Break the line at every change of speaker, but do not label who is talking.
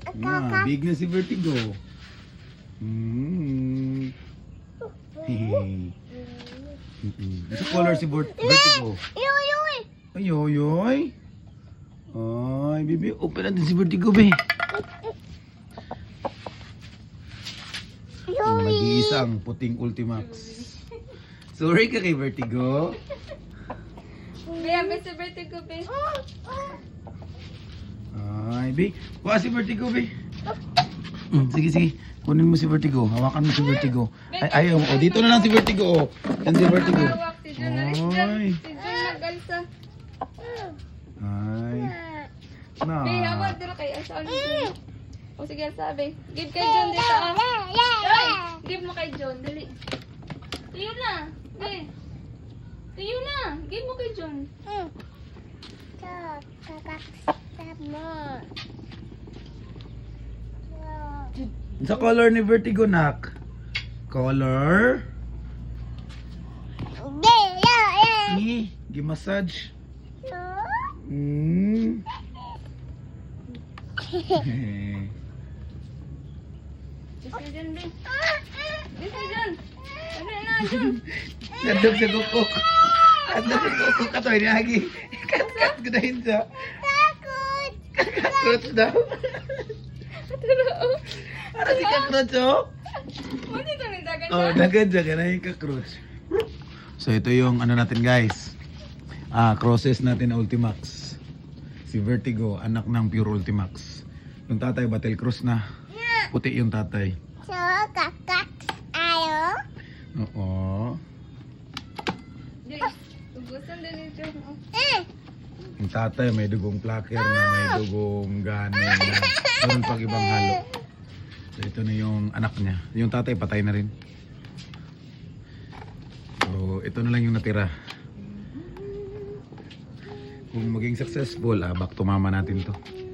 Big na si Vertigo. Hehe. Ito color si Vertigo. Ayoy. Ay, bibi, open natin si Vertigo, be. Yung nag-iisang puting Ultimax. Sorry ka kay Vertigo.
Be, si Vertigo, be.
Ay, be. Kuha si Vertigo, be. Sige. Kunin mo si Vertigo. Hawakan mo si Vertigo. Ay, ayaw mo. O, dito na lang si Vertigo. O. Yan si Vertigo.
Hawak si John.
Ay.
Si John nag-alsa.
Ay.
Be, hawak dito kay Asa. O sige, sabi. Give kay John dito, ah. Ay, give mo kay John. Dali. Tuyo na. Be. Tuyo na. Give mo kay John.
Sa color ni Vertigo, nak. Color. Gi-massage.
Give kay John, be. Give kay John. Sabi na, John.
Nandog sa kukuk. Nandog sa kukuk ka to. Inihagi. Kat-kat ko dahil sa. Cockroach daw. Para si cockroach, oh.
Mo dito ni dagan
Oh,
siya.
dagan dyan ka na yung cockroach. So, ito yung ano natin, guys. Crosses natin na Ultimax. Si Vertigo, anak ng pure Ultimax. Yung tatay, Battle Cross na. Puti yung tatay. Oo.
Di, ubusan din ni John.
Yung tatay, may dugong plaker na may dugong ganin na meron pag ibang halo. So, ito na yung anak niya. Yung tatay, patay na rin. So, ito na lang yung natira. Kung maging successful, back to mama natin to.